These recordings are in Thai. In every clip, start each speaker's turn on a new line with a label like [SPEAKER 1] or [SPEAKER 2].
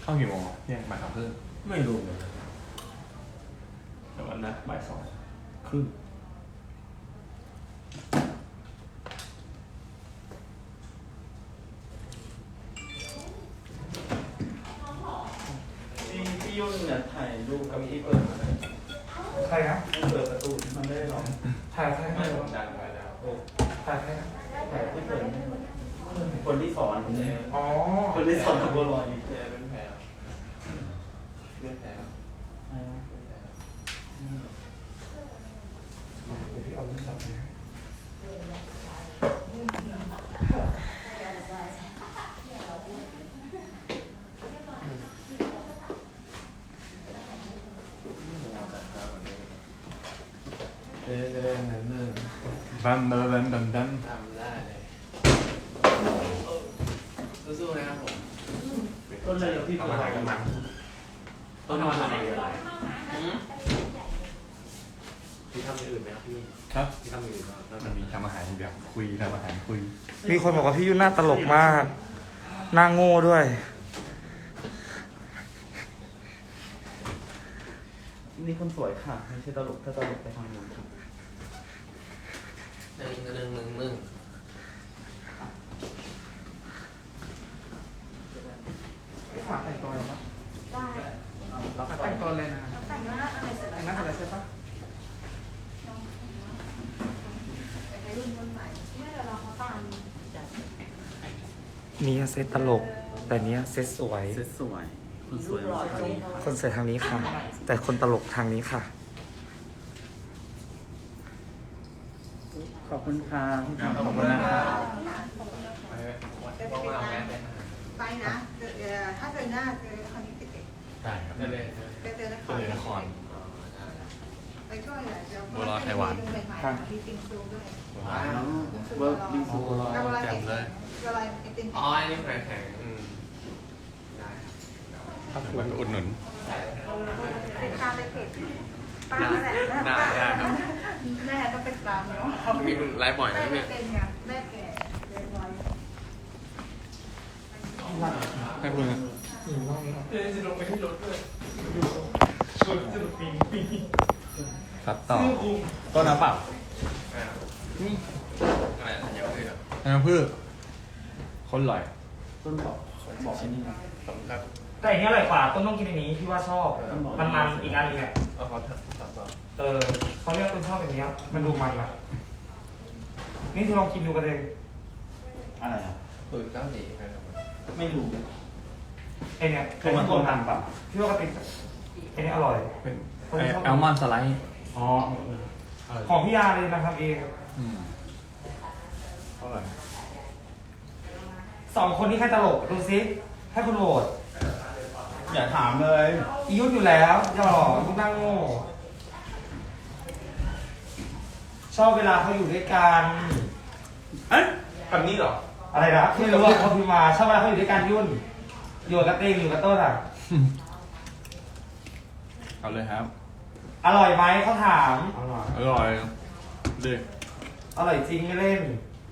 [SPEAKER 1] เข้ากี่โมงเที่ยงบ่ายสองครึ่ง
[SPEAKER 2] ไม่รู้เลย
[SPEAKER 1] แต่วันนะบ่าย2:30
[SPEAKER 2] พี่ยุ่นเนี่ยถ่ายรูปกับพี่เปิดมาเลย
[SPEAKER 3] ใครนะ
[SPEAKER 2] เปิดประตูมันไม่ได้หรอก
[SPEAKER 3] ถ่ายใคร
[SPEAKER 2] ไม่ผมดังไว้แล้ว
[SPEAKER 3] ถ่ายใครนะ
[SPEAKER 2] ถ่ายที่เปิดคนที่สอนผมเลย
[SPEAKER 3] อ๋อ
[SPEAKER 2] คนที่สอนกับบัวลอย
[SPEAKER 1] เป็นแผลเป็นแผล
[SPEAKER 3] เดี๋ยวพี่เอาโทรศัพท์นะ
[SPEAKER 1] นั่นบัมบัมบัมบัม
[SPEAKER 4] ทำได้เลยสู้ๆนะครับผม
[SPEAKER 2] ต้นอะไรกับพี่
[SPEAKER 1] เอา
[SPEAKER 2] เปิ
[SPEAKER 1] มา
[SPEAKER 2] ด
[SPEAKER 1] หากันมา
[SPEAKER 2] ต้นมาอะไรกัน
[SPEAKER 4] พี่ทำอย่างอื่นไหมครับพี่
[SPEAKER 1] ครับ
[SPEAKER 4] พี่ทำอย่างอื่นบ้าง
[SPEAKER 1] มันมีทำอาหารแบบคุยทำอาหารคุย
[SPEAKER 3] มีคนบอกว่าพี่ยุ่นหน้าตลกมากหน้าโง่ด้วย
[SPEAKER 2] นี่คนสวยค่ะไม่ใช่ตลกถ้าตลกไปทางนู้นครับ
[SPEAKER 4] หนึ่ง
[SPEAKER 3] พี่ฝากแต่งตัวเลยปะ
[SPEAKER 5] ได้
[SPEAKER 3] แต่งตัวเลยนะ
[SPEAKER 5] แต่งหน้าอะไรเสร็จ
[SPEAKER 3] แต่
[SPEAKER 5] แล้
[SPEAKER 3] ง
[SPEAKER 5] ว
[SPEAKER 3] หน้าเสร็จแล้วใช่ปะ
[SPEAKER 5] ไปรุ่นใหม่ไม่เดี๋ยวเราเขาตามจัด
[SPEAKER 3] นี่เซตตลก แต่เนี้ยเซตสวย
[SPEAKER 2] เซ็ตสวยคนสวย
[SPEAKER 5] หล่อจง
[SPEAKER 3] คนสวยทางนี้ค่ะ แต่คนตลกทางนี้ค่ะ
[SPEAKER 2] ขอบคุณค่ะ
[SPEAKER 1] ขอบคุณนะครับ
[SPEAKER 4] ว่างๆแวะไปหา
[SPEAKER 5] ไปนะถ้าเจอหน้าเจอคนนี้ติด
[SPEAKER 1] ได้ครับ
[SPEAKER 4] ได้เลย
[SPEAKER 5] เจอนค
[SPEAKER 1] ก็
[SPEAKER 5] ร
[SPEAKER 1] เลยนคร
[SPEAKER 5] ไปช่วยเดี๋ยว
[SPEAKER 1] บัวลอยไข่หวาน
[SPEAKER 5] มีติงซูด้วย
[SPEAKER 4] ว้าว
[SPEAKER 2] เวิร์กบิงซู
[SPEAKER 1] แจ่มเลย
[SPEAKER 5] บัวลอยไอติม
[SPEAKER 4] อ๋ออันนี้แข็งได้
[SPEAKER 1] ถ้าไปอุดหนุน
[SPEAKER 5] เป็นข้าวไปเผ็ดป้าแหละแม่ก็เป็นตามเนาะ
[SPEAKER 4] มีไลฟ์บ่อยไหม
[SPEAKER 5] แม่
[SPEAKER 4] พี่
[SPEAKER 5] เป็นไงแม่แก่เรียนร้อย
[SPEAKER 1] ให้คุณ
[SPEAKER 4] จะลงไปที่รถด้วย
[SPEAKER 1] ครับต่อต้นน้ำเปล่า
[SPEAKER 4] อะไรอย่างเงี้ย
[SPEAKER 1] น้ำพืชคนอร่อย
[SPEAKER 2] ต้นบอกอันนี้นะ
[SPEAKER 4] ขอบคุณครับ
[SPEAKER 3] แต่อันนี้อร่อยกว่าต้นต้องกินอันนี้พี่ว่าชอบ มันอีกอันนึงเนี่ย
[SPEAKER 4] เอาขอถามต่อ
[SPEAKER 3] เขาเรียกต้นชอบแบบนี้มันดูมันอะนี่ที่ลองกินดูกันเลย
[SPEAKER 2] อะไรอ่ะ
[SPEAKER 4] ปืนก้าวหนีไปครับ
[SPEAKER 2] ไม่รู้
[SPEAKER 3] ไอเนี่ย
[SPEAKER 2] คือมันต้นทางปะ
[SPEAKER 3] พี่ว่าก็เป็นไอเนี่ยอร่อย
[SPEAKER 1] เป็นแอลมอนด์สไลด์
[SPEAKER 2] อ๋อ
[SPEAKER 3] ของพี่ยาเลยนะครับเอง
[SPEAKER 1] เท่าไหร่
[SPEAKER 3] 2 คนนี้ใครตลกดูซิให้คุณโหวต
[SPEAKER 2] อย่าถามเลย
[SPEAKER 3] อียุทธอยู่แล้วอย่าหล่อลูกนั่งโง่ชอบเวลาเขาอยู่ด้วยกัน
[SPEAKER 1] เอ๊ะแบบนี้เหรอ
[SPEAKER 3] อะไรนะไม่รู้ว่าเขาพิมพ์มาชอบเวลาเขาอยู่ด้วยกันยุ่นอยู่กับเต้งอยู่กับต้นอ่ะ
[SPEAKER 1] เอาเลยครับ
[SPEAKER 3] อร่อยไหมเขาถาม
[SPEAKER 2] อร่อย
[SPEAKER 1] อร่อยดิ
[SPEAKER 3] อร่อยจริงไม่เล่น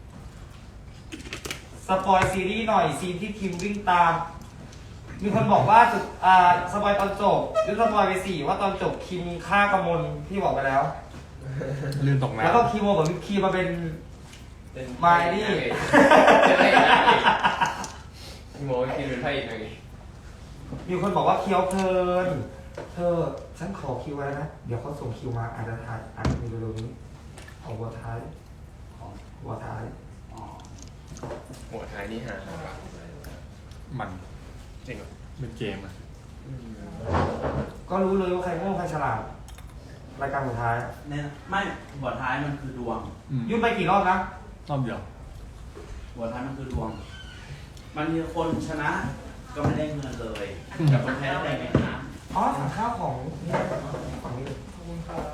[SPEAKER 3] สปอยซีรีส์หน่อยซีนที่คิมวิ่งตาม มีคนบอกว่าจุดสปอยตอนจบหรือสปอยไป4ว่าตอนจบคิมฆ่ากำมลพี่บอกไปแล้ว
[SPEAKER 1] ลื่นตกน้ำ
[SPEAKER 3] แล้วก็คีโมกับวิปครีมมาเป็นไมลี่
[SPEAKER 4] เป็นพระเอกนะพี่โมพี่เป็นพระเอกนะพี่
[SPEAKER 3] มีคนบอกว่าเคี้ยวเพลิน เธอฉันขอคิวไว้นะ เดี๋ยวเขาส่งคิวมาอาจจะถ่ายอาจจะมีเร็วๆนี้ของหัวท้ายหัวท้าย
[SPEAKER 2] อ๋อ
[SPEAKER 4] หัวท้ายนี่หา
[SPEAKER 1] มัน
[SPEAKER 4] จริงเหรอ
[SPEAKER 1] เป็นเกมอ่ะ
[SPEAKER 3] ก็รู้เลยว่าใครโง่ใครฉลาดรายการสุดท้าย
[SPEAKER 2] เนี่ยไม่หัวท้ายมันคือดวง
[SPEAKER 3] ยุ่งไปกี่รอบนะ
[SPEAKER 1] รอบเดียว
[SPEAKER 2] หัวท้ายมันคือดวง มันมีคนชนะ ก็ไม่ได้เงินเลย กับคนแพ้ได้เงินนะ
[SPEAKER 3] อ๋อสั่งข้าวของนี่ฝั่งนี้ขอบคุณครับ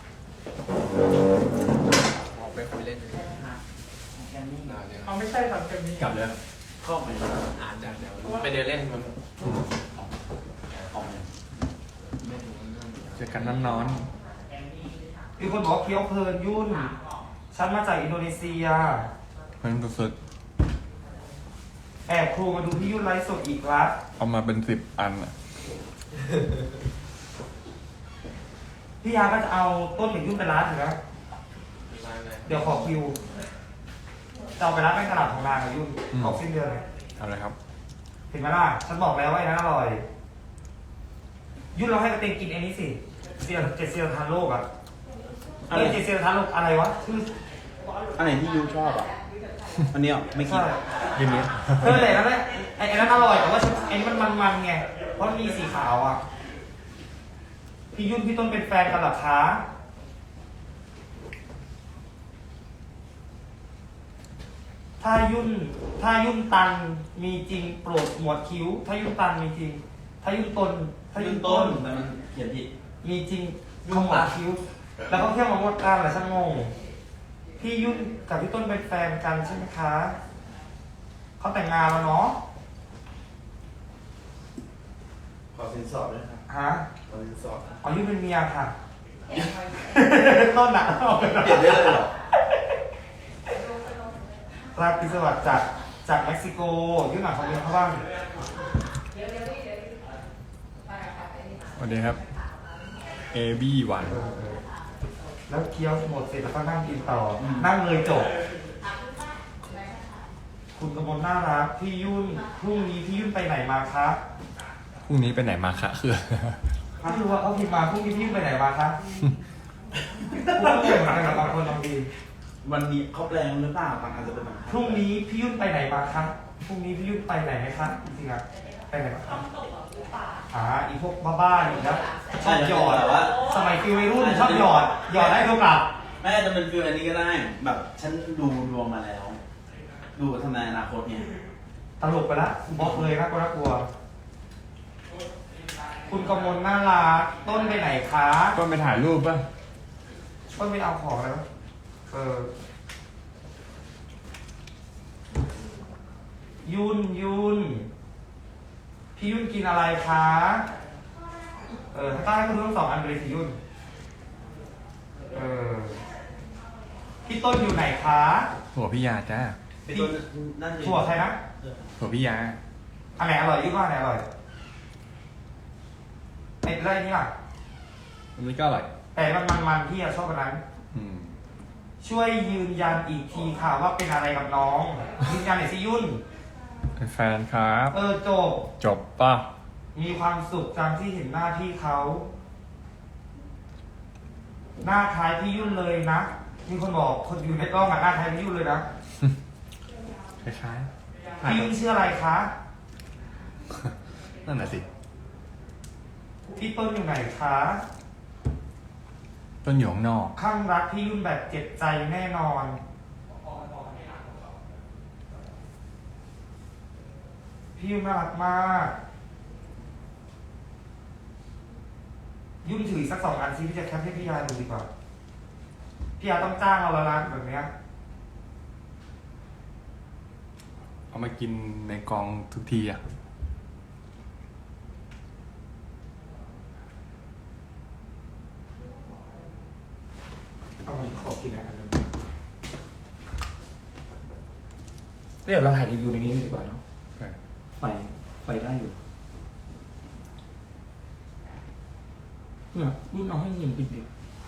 [SPEAKER 4] ออกไปคุยเล่นเลย
[SPEAKER 2] แค่นี้
[SPEAKER 4] นานเลย
[SPEAKER 3] เอาไม่ใช่สั่งเต็มนี้
[SPEAKER 1] กลับเลย
[SPEAKER 2] เข้าไป
[SPEAKER 4] อ่านจากเดี๋ยวไปเดินเล่นมัน
[SPEAKER 2] ออกเลย
[SPEAKER 4] ไม่รู้เรื่อง
[SPEAKER 1] เจอกันน้ำนอน
[SPEAKER 3] มีคนบอกว่าเคี้ยวเพลินยุ่น ฉันมาจากอินโดนีเซีย
[SPEAKER 1] เพิ่งสุด
[SPEAKER 3] แอบครูมาดูพี่ยุ่นไลฟ์สดอีกละ
[SPEAKER 1] เอามาเป็น10 อันอ่ะ
[SPEAKER 3] พี่ยาก็จะเอาต้นถึงยุ่นไปร้านถึงนะเดี๋ยวขอคิวจะเอาไปร้านในตลาดของนางกับยุ่นออกสิ้นเดือนเลย
[SPEAKER 1] เอาเลยครับ
[SPEAKER 3] เห็นไหมล่ะฉันบอกแล้วว่าไอ้นั้นอร่อยยุ่นเราให้กระเตงกินไอ้นี้สิเจ็ดเซียทานโลกอ่ะเจ็ดเซียทานโลกอะไรวะชื่อ
[SPEAKER 2] อันไหนที่ยูชอบอ่ะ อันนี้ไม่กิน
[SPEAKER 1] ยินดี
[SPEAKER 3] แต่นั่นแหละไอ้นั้นอร่อยแต่ว่าไอ้นี่มันไงเพราะมันมีสีขาวอ่ะพี่ยุ่นพี่ต้นเป็นแฟนกันหรอคะถ้ายุ่นตันมีจริงโปรดหมวดคิ้วถ้ายุ่นตันมีจริงถ้ายุ่นต้น
[SPEAKER 2] ถ้ายุ่นต้นแต่มันเขียนผิด
[SPEAKER 3] มีจริงขมวดคิ้ว แล้วก็เที่ยวมาหมดกันแหละช่างงงพี่ยุ่นกับพี่ต้นเป็นแฟนกันใช่ไหมคะเขาแต่งงานแล้วเนาะ
[SPEAKER 2] ขอสินสอดด้วยครับ
[SPEAKER 3] ฮะ
[SPEAKER 2] ขอสินสอด
[SPEAKER 3] อ๋อยุ่นเป็นเมียค่ะ ต้นหนา
[SPEAKER 2] เปลี่ยนได้เลยเหรอ
[SPEAKER 3] ราพิศวัสดิ์จากเม็กซิโกยุ่นหนักเขาเรียนเขาบ้าง
[SPEAKER 1] สวัสดีครับ AB1
[SPEAKER 3] แล้วเคี้ยวหมดเสร็จแล้วก็นั่งกินต่อนั่งเลยจบ คุณกมลน่ารักพี่ยุ่นพรุ่งนี้พี่ยุ่นไปไหนมาคะ
[SPEAKER 1] พรุ่งนี้ไปไหนมาคะคือ
[SPEAKER 3] ไม่รู้ว่าเขาพิมพ์มาพรุ่งนี้พี่ยุ่นไปไหนมาคะพรุ่งนี้เหมือนกันกับบางคนบางที
[SPEAKER 2] วันนี้เขาแปลงหรือเปล่าบางอาจจะเป็นบาง
[SPEAKER 3] พรุ่งนี้พี่ยุ่นไปไหนมาคะพรุ่งนี้พี่ยุ่นไปไหนไหมคะจริงๆอะไปไหนมาครับอีพวกบ้าๆอีกแล้วชอบหยอด
[SPEAKER 2] แต่ว่า
[SPEAKER 3] สมัยฟิววัยรุ่นชอบหยอดได้เท่ากับ
[SPEAKER 2] แม่จะเป็นฟิลอันนี้ก็ได้ แบบฉันดูดวงมาแล้ว ดูทำนายอนาคตเนี่ย
[SPEAKER 3] ตลกไปละบอกเลยน่ากลัว คุณกมลน่ารักต้นไปไหนคะ
[SPEAKER 1] ก็ไปถ่ายรูปป่ะ
[SPEAKER 3] ต้นไปเอาของแล้วยุ่นพี่ยุ่นกินอะไรคะถ้าได้คุณต้อง2 อันเลยสิยุ่นพี่ต้นอยู่ไหนคะ
[SPEAKER 1] หัวพี่ยาจ้า
[SPEAKER 2] เป็นตัวนั่นเอง
[SPEAKER 3] ถั่วใครนะ
[SPEAKER 1] หัวพี่ยา
[SPEAKER 3] อันไหนอร่อยยุ่นว่าอันไหนอร่อยไอ้ไรนี่ล่ะ
[SPEAKER 1] อันนี้ก็อร่อย
[SPEAKER 3] แต่มันพี่ชอบอันนั้น
[SPEAKER 1] อืม
[SPEAKER 3] ช่วยยืนยันอีกทีค่ะว่าเป็นอะไรกับน้องยืนยันหน่อยสิยุ่น
[SPEAKER 1] เป็นแฟนครับ
[SPEAKER 3] จบ
[SPEAKER 1] จบป่ะ
[SPEAKER 3] มีความสุขจังที่เห็นหน้าพี่เขา หน้าคล้ายพี่ยุ่นเลยนะ มีคนบอกคนอยู่ในกล้องหน้าคล้ายพี่ยุ่นเลยนะ
[SPEAKER 1] คล้าย
[SPEAKER 3] พี่ยุ่นชื่ออะไรคะ
[SPEAKER 1] ๆนั่นน่ะสิ
[SPEAKER 3] พี่ต้นอยู่ไหนคะ
[SPEAKER 1] ต้นอยู่ข้างนอก
[SPEAKER 3] ข้างรักพี่ยุ่นแบบเจ็บใจแน่นอน พี่ยุ่นน่ารักมาก ยุ่นถือสัก2 อันซิพี่จะแคปให้พี่ยาดูดีกว่าพี่ยาต้องจ้างเราละนะแบบเนี้ย
[SPEAKER 1] เอามากินในกองทุกทีอ่ะ
[SPEAKER 3] เอามาขอกินอะไรกันเดี๋ยวเราถ่ายรีวิวในนี้ดีกว่าเนาะไฟได้อยู่เนี่ยรุ่นเอาให้ยิงปิดดิ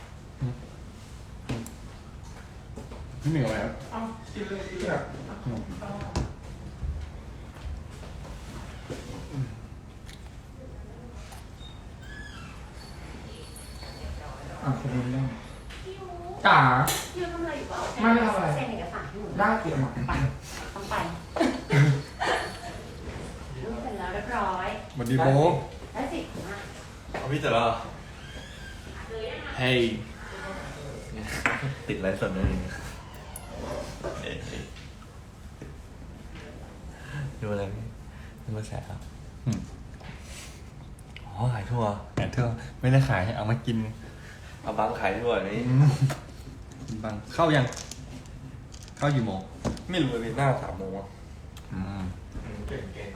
[SPEAKER 1] พี่เหนียวแล้ว
[SPEAKER 3] เอากินเลยเนี่ยคนนี้ได้จ๋า
[SPEAKER 5] พี่ทำอะไรอยู่เปล่า
[SPEAKER 3] ไม่ทำอะไร
[SPEAKER 5] เซ็นเอกสารให้หนู
[SPEAKER 3] ได้เกี่ยวกับ
[SPEAKER 5] ไปต้องไปเสร็จแล้วเรียบร้อย
[SPEAKER 1] สวัสดีโบ
[SPEAKER 5] ได้สิมา
[SPEAKER 4] เอาพี่เสร็จแล้วเหรอเฮ้ยติดไลฟ์สดด้วยนี่ดูอะไรพี่ดูมาแสครับ
[SPEAKER 1] อืม
[SPEAKER 4] อ๋อขายทั่ว
[SPEAKER 1] แต่เธอไม่ได้ขายเอามากิน
[SPEAKER 4] เอาบังขายทั่วนี่
[SPEAKER 1] บังเข้ายัง เข้ากี่โมง
[SPEAKER 4] ไม่รู้เลยหน้า3 โมงอ่ะ
[SPEAKER 1] อืม
[SPEAKER 4] เก่ง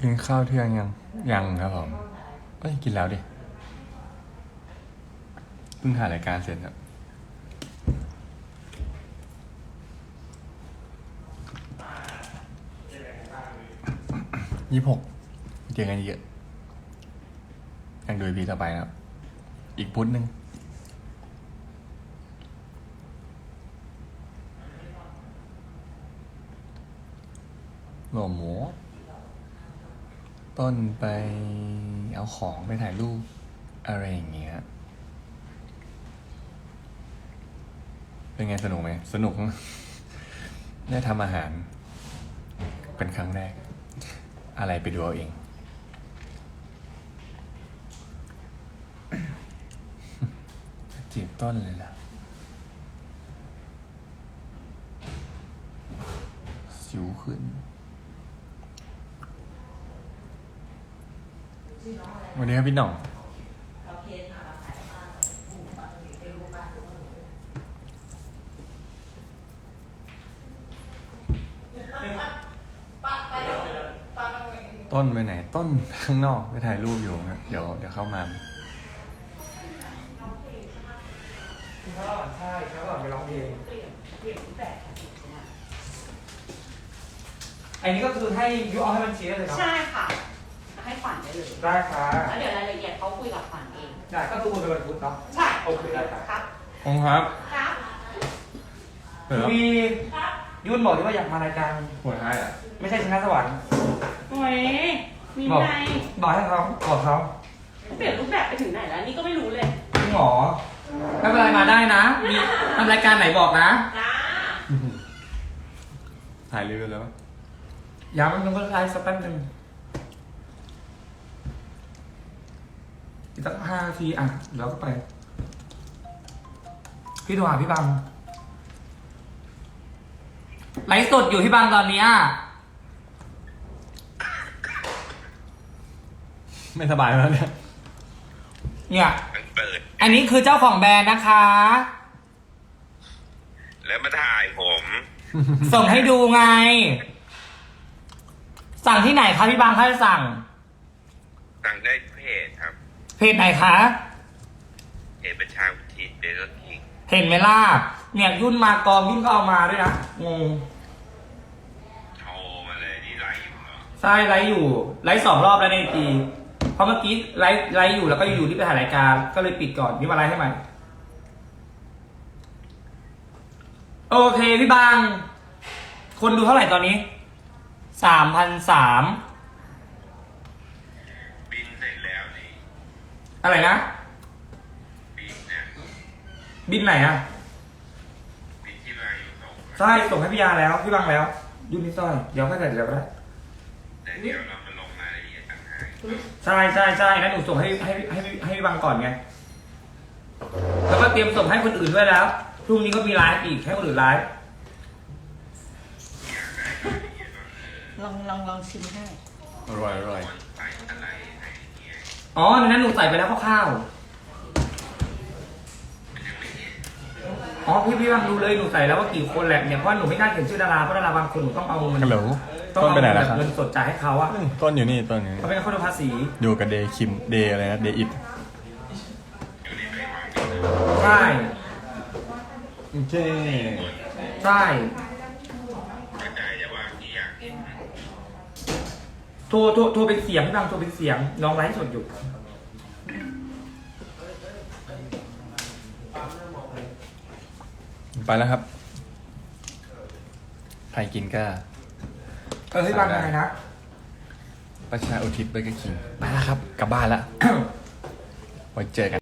[SPEAKER 1] กินข้าวเที่ยงยังครับผมก็กินแล้วดิเพิ่งถ่ายรายการเสร็จครับ26เจอกันเยอะยังดูพีต่อไปนะครับอีกพุธหนึ่งหล่อหมูต้นไปเอาของไปถ่ายรูปอะไรอย่างเงี้ยเป็นไงสนุกไหมสนุก ได้ทำอาหารเป็นครั้งแรกอะไรไปดูเอาเอง จีบต้นเลยล่ะสิวขึ้นวันนี้ครับพี่หน่องต้นไปไหนต้นข้างนอกไปถ่ายรูปอยู่นะเดี๋ยวเข้ามา
[SPEAKER 3] ใช่เขาก่อนไปร้องเพลงอันนี้ก็คือให้ยูเอาให้มันชี้ได้เลยครับ
[SPEAKER 6] ใช่ค่ะ ให้ขวัญได้เลย
[SPEAKER 3] ได้ค่ะ
[SPEAKER 6] แล้วเดี๋ยวรายละเอียดเขาคุยกับขวัญเอง
[SPEAKER 3] ได้ก็คือคุณเป็นวันพุธเนาะ
[SPEAKER 6] ใช่
[SPEAKER 3] โอเคได้ครับ
[SPEAKER 6] ครับ
[SPEAKER 1] องครับ
[SPEAKER 6] ครับ
[SPEAKER 1] เปิดแล้ว
[SPEAKER 3] มียุ่นบอกที่ว่าอยากมารายการ
[SPEAKER 1] หัวท้ายอ่ะ
[SPEAKER 3] ไม่ใช่ชนะสวรรค์
[SPEAKER 6] โอ้ยมี
[SPEAKER 3] บอก
[SPEAKER 6] ไง
[SPEAKER 3] บอกให้เขาบอกเขา
[SPEAKER 6] เปลี่ยนรูปแบบไปถึงไหนแล้ว นี่ก็ไม่รู้เลย
[SPEAKER 3] จริงเหรอไม่เป็นไรมาได้นะ มีทำรายการไหนบอกนะ
[SPEAKER 6] จ้า
[SPEAKER 1] ถ่ายรีวิวแล้วปะ
[SPEAKER 3] ย้ำมันก็ไลฟ์สักแป๊บนึงอีกสัก5 นาทีอ่ะแล้วก็ไป พี่โทรหาพี่บังไลฟ์สดอยู่พี่บังตอนนี้
[SPEAKER 1] ไม่สบายแล้วเนี่ย
[SPEAKER 3] เนี่ย
[SPEAKER 7] มันเปิด
[SPEAKER 3] อันนี้คือเจ้าของแบรนด์นะคะ
[SPEAKER 7] แล้วมาถ่ายผม
[SPEAKER 3] ส่งให้ดูไง สั่งที่ไหนคะพี่บังถ้าจะสั่ง
[SPEAKER 7] สั่งได้เพจครับ
[SPEAKER 3] เพจไหนคะ
[SPEAKER 7] เพจประชาอุทิศเบเกอร์คิง
[SPEAKER 3] เห็นไหมล่ะเนี่ยยุ่นมากองยุ่นก็เอามาด้วยนะงง
[SPEAKER 7] โทรมาเลยนี่ไลฟ์อยู่เหรอ
[SPEAKER 3] ใช่ไลฟ์อยู่ไลฟ์2 รอบแล้วในทีเพราะเมื่อกี้ไลฟ์อยู่แล้วก็อยู่ที่ไปถ่ายรายการก็เลยปิดก่อนนี่มาไลฟ์ให้ใหม่โอเคพี่บังคนดูเท่าไหร่ตอนนี้3,300
[SPEAKER 7] บินเสร็จแล้วนี่
[SPEAKER 3] อะไรนะ
[SPEAKER 7] บินเนี่ย
[SPEAKER 3] บินไหนอะ
[SPEAKER 7] บินที่มาอยู่ส่ง
[SPEAKER 3] ใช่ส่งให้พี่ยาแล้วพี่บังแล้วยุ่นนี่สร้อยเดี๋ยวค่อยแต่เดี๋ยวก็ได้
[SPEAKER 7] แต่เดี๋ยวเรามาลงรายละเอียดต่างหาก
[SPEAKER 3] ใช่งั้นหนูส่งให้พี่บังก่อนไงแล้วก็เตรียมส่งให้คนอื่นด้วยแล้วพรุ่งนี้ก็มีไลฟ์อีกให้คนอื่นไลฟ์
[SPEAKER 5] ลองชิมให้
[SPEAKER 1] อร่อย
[SPEAKER 7] ใส่อะไรให้เนี่ย
[SPEAKER 3] อ๋อในนั้นหนูใส่ไปแล้วคร่าวๆอ๋อพี่บังดูเลยหนูใส่แล้วว่ากี่คนแหละเนี่ยเพราะหนูไม่กล้าเขียนชื่อดาราเพราะดาราบางคนหนูต้องเอาเงิน
[SPEAKER 1] ฮัลโหล
[SPEAKER 3] ต้อง
[SPEAKER 1] ต้น
[SPEAKER 3] เอา
[SPEAKER 1] ไปไหนแล้วครับ
[SPEAKER 3] เงินสดจ่ายให้เขาอะ
[SPEAKER 1] ต้นอยู่นี่ต้นอยู่นี่
[SPEAKER 3] เขาเป็นคนดูภาษี
[SPEAKER 1] อยู่กับเดย์คิมเดย์อะไรนะเดย์อิด
[SPEAKER 3] ใช่
[SPEAKER 1] โอเค
[SPEAKER 3] ใช่
[SPEAKER 7] เข้าใจแต่ว่าที่อยากเห็น
[SPEAKER 3] โทรเป็นเสียงพี่บังโทรเป็นเสียงน้องไลฟ์สดอยู่
[SPEAKER 1] ไปแล้วครับใครกินก็
[SPEAKER 3] พี่บังยังไงนะ
[SPEAKER 1] ประชาอุทิศเบเกอร์คิงไปแล้วครับ กลับบ้านแล้ว ไว้เจอกัน